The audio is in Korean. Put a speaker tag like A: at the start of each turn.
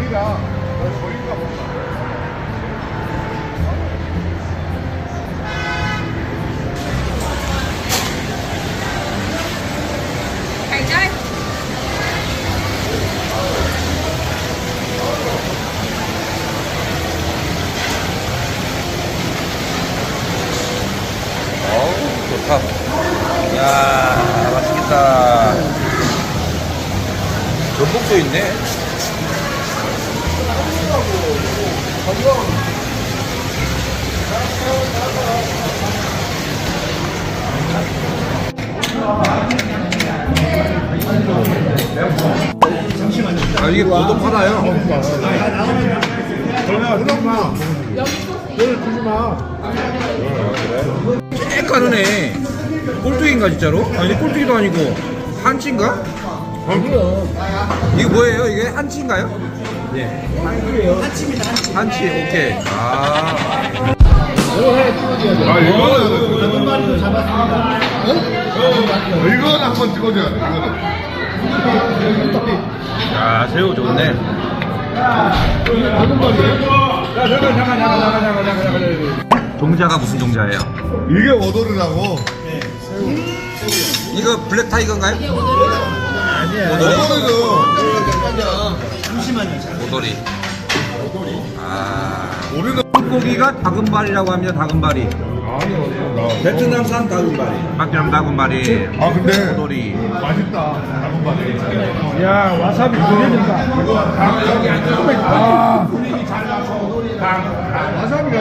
A: 아니라 저희가 뭔가.
B: Thầy chơi.
C: 어우, 좋다. 이야, 맛있겠다. 전복도 있네. 아, 이게 고도 팔아요. 쬐까르네. 꼴뚜기인가 진짜로? 아니 꼴뚜기도 아니고 한치인가? 이거 뭐예요? 이게 한치인가요? 네. 한치입니다. 한치. 오케이. 아.
A: 이거는 마리도 잡았습니다. 이거는 한번 찍어줘야 돼. 이거는.
C: 야, 새우 좋네. 종자가 무슨 종자예요?
A: 이게 오돌이라고.
C: 이거 블랙 타이거인가요? 오돌이?
A: 오돌이죠.
C: 오돌이. 아.
A: 우리는
C: 고기가 다금발이라고 합니다. 다금발이.
D: 베트남산 다금바리.
C: 막장 다금발이.
A: 아 근데
C: 오돌이.
A: 맛있다. 다금바리.
D: 야 와사비 기대된다. 아, 와사비가